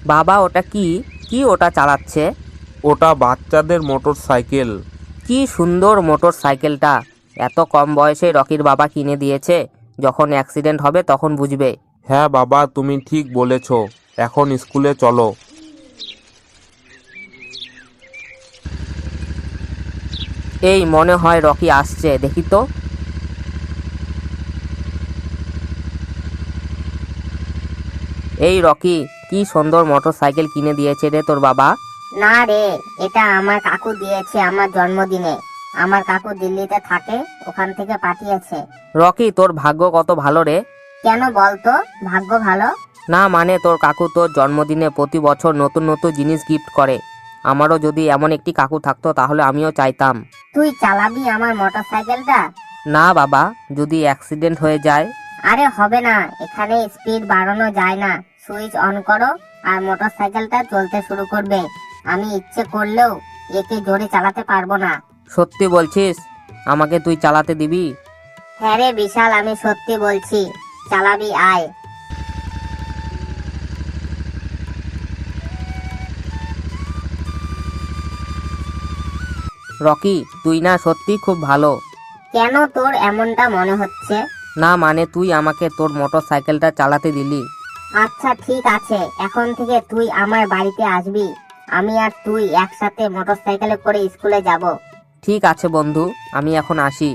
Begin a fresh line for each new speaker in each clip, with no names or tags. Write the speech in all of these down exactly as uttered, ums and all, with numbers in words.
বাবা ওটা কি কি ওটা চালাচ্ছে?
ওটা বাচ্চাদের মোটর সাইকেল।
কি সুন্দর মোটর সাইকেলটা! এত কম বয়সে রকির বাবা কিনে দিয়েছে। যখন অ্যাক্সিডেন্ট হবে তখন বুঝবে।
হ্যাঁ বাবা, তুমি ঠিক বলেছ। এখন স্কুলে চলো।
এই মনে হয় রকি আসছে, দেখি তো। এই রকি, কি সুন্দর মোটর সাইকেল কিনে দিয়েছে রে তোর বাবা।
না রে, এটা আমার কাকু দিয়েছে আমার জন্মদিনে। আমার কাকু দিল্লিতে থাকে, ওখান থেকে পাঠিয়েছে।
রকি, তোর ভাগ্য কত ভালো রে।
কেন বলতো ভাগ্য ভালো?
না মানে তোর কাকু তোর জন্মদিনে প্রতি বছর নতুন নতুন জিনিস গিফট করে। আমারও যদি এমন একটি কাকু থাকতো তাহলে আমিও চাইতাম।
তুই চালাবি আমার মোটর সাইকেলটা?
না বাবা, যদি অ্যাক্সিডেন্ট হয়ে যায়।
আরে হবে না, এখানে স্পিড বাড়ানো যায় না। সুইচ অন করো আর মোটর সাইকেলটা চলতে শুরু করবে। আমি ইচ্ছে করলেও একে জোরে চালাতে পারবো না।
সত্যি বলছিস? আমাকে তুই চালাতে দিবি?
হ্যাঁ রে বিশাল, আমি সত্যি বলছি। চালাবি, আয়।
রকি, তুই না সত্যি খুব ভালো।
কেন তোর এমনটা মনে হচ্ছে?
না মানে তুই আমাকে তোর মোটর সাইকেলটা চালাতে দিলি।
আচ্ছা ঠিক আছে, এখন থেকে তুই আমার বাড়িতে আসবি। আমি আর তুই একসাথে মোটর সাইকেলে করে স্কুলে যাব।
ঠিক আছে বন্ধু, আমি এখন আসি।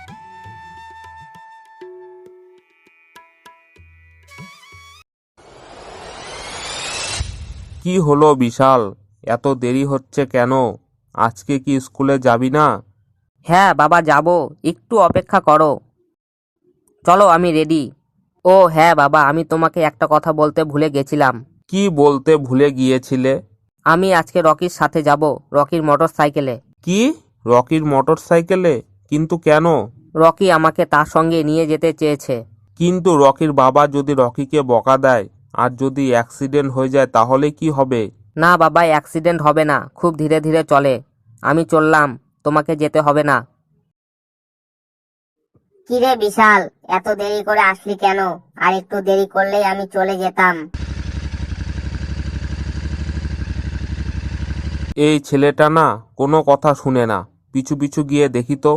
কি হলো বিশাল, এত দেরি হচ্ছে কেন? আজকে কি স্কুলে যাবি না?
হ্যাঁ বাবা, যাব। একটু অপেক্ষা করো। চলো, আমি রেডি। ও হ্যাঁ বাবা, আমি তোমাকে একটা কথা বলতে ভুলে গেছিলাম।
কি বলতে ভুলে গিয়েছিলে?
আমি আজকে রকির সাথে যাব, রকির মোটর সাইকেলে।
কি, রকির মোটর সাইকেলে? কিন্তু কেন?
রকি আমাকে তার সঙ্গে নিয়ে যেতে চেয়েছে।
কিন্তু রকির বাবা যদি রকিকে বকা দেয় আর যদি অ্যাক্সিডেন্ট হয়ে যায় তাহলে কি হবে?
না বাবা, অ্যাক্সিডেন্ট হবে না, খুব ধীরে ধীরে চলে। আমি চললাম, তোমাকে যেতে হবে না।
কিরে বিশাল, এত দেরি করে আসলি কেন? আর একটু দেরি করলেই আমি চলে যেতাম।
এই ছেলেটা না কোনো কথা শুনে না। পিছু পিছু গিয়ে দেখি তো।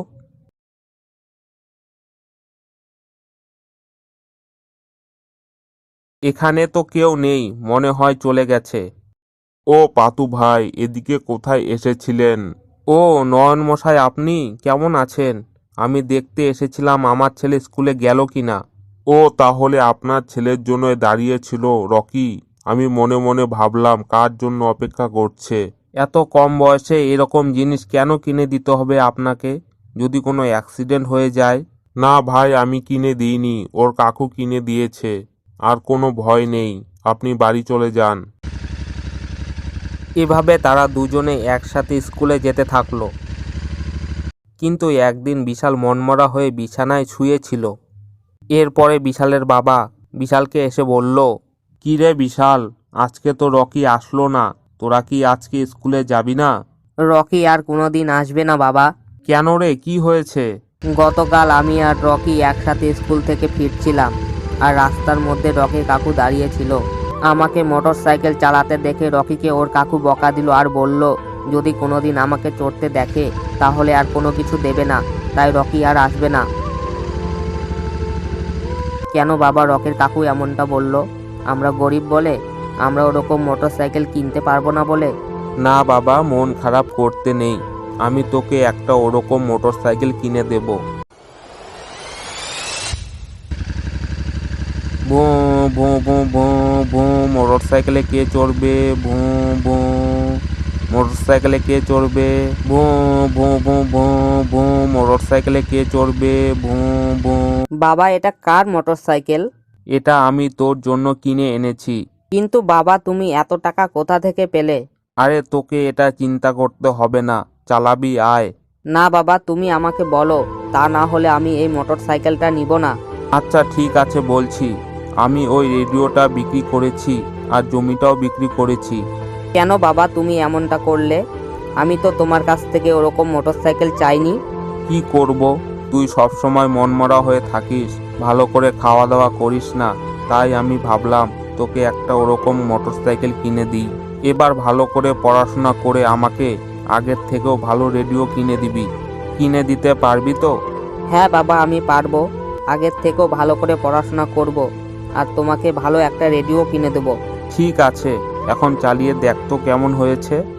এখানে তো কেউ নেই, মনে হয় চলে গেছে। ও পাতু ভাই, এদিকে কোথায় এসেছিলেন? ও নয়ন মশাই, আপনি কেমন আছেন? আমি দেখতে এসেছিলাম আমার ছেলে স্কুলে গেল কিনা। ও তাহলে আপনার ছেলের জন্য দাঁড়িয়েছিল রকি। আমি মনে মনে ভাবলাম কার জন্য অপেক্ষা করছে। এত কম বয়সে এরকম জিনিস কেন কিনে দিতে হবে আপনাকে, যদি কোনো অ্যাক্সিডেন্ট হয়ে যায়? না ভাই, আমি কিনে দিইনি, ওর কাকু কিনে দিয়েছে। আর কোনো ভয় নেই, আপনি বাড়ি চলে যান।
এভাবে তারা দুজনে একসাথে স্কুলে যেতে থাকলো। কিন্তু একদিন বিশাল মনমরা হয়ে বিছানায় শুয়েছিল। এরপরে বিশালের বাবা বিশালকে এসে বলল,
কি রে বিশাল, আজকে তো রকি আসলো না, তোরা কি আজকে স্কুলে যাবি না?
রকি আর কোনোদিন আসবে না বাবা।
কেন রে, কি হয়েছে?
গতকাল আমি আর রকি একসাথে স্কুল থেকে ফিরছিলাম, আর রাস্তার মধ্যে রকি কাকু দাঁড়িয়েছিল। আমাকে মোটর সাইকেল চালাতে দেখে রকিকে ওর কাকু বকা দিল আর বলল, যদি কোনোদিন আমাকে চড়তে দেখে তাহলে আর কোনো কিছু দেবে না, তাই রকি আর আসবে না। কেন বাবা, রকির কাকু এমনটা বলল? আমরা গরিব বলে? আমরা ওরকম মোটর সাইকেল কিনতে পারবো না বলে?
না বাবা, মন খারাপ করতে নেই, আমি তোকে একটা ওরকম মোটর সাইকেল কিনে দেব। ভু ভু ভু ভু ভু মোটর সাইকেলে কে চড়বে? ভু ভু মোটর সাইকেলে কে চড়বে? ভু ভু ভু ভু ভু মোটর সাইকেলে কে চড়বে? ভু ভু।
বাবা, এটা কার মোটর সাইকেল?
এটা আমি তোর জন্য কিনে এনেছি।
কিন্তু বাবা, তুমি এত টাকা কোথা থেকে পেলে?
আরে তোকে এটা চিন্তা করতে হবে না, চালাবি, আয়।
না বাবা, তুমি আমাকে বলো, তা না হলে আমি এই মোটর সাইকেলটা নিব না।
আচ্ছা ঠিক আছে বলছি, আমি ওই রেডিওটা বিক্রি করেছি আর জমিটাও বিক্রি করেছি।
কেন বাবা তুমি এমনটা করলে? আমি তো তোমার কাছ থেকে ওরকম মোটর সাইকেল চাইনি।
কি করব, তুই সবসময় মনমরা হয়ে থাকিস, ভালো করে খাওয়া দাওয়া করিস না, তাই আমি ভাবলাম তোকে একটা ওরকম মোটরসাইকেল কিনে দিই। এবার ভালো করে পড়াশোনা করে আমাকে আগের থেকেও ভালো রেডিও কিনে দিবি। কিনে দিতে পারবি তো?
হ্যাঁ বাবা, আমি পারবো। আগের থেকেও ভালো করে পড়াশোনা করব আর তোমাকে ভালো একটা রেডিও কিনে দেবো।
ঠিক আছে, এখন চালিয়ে দেখ তো কেমন হয়েছে।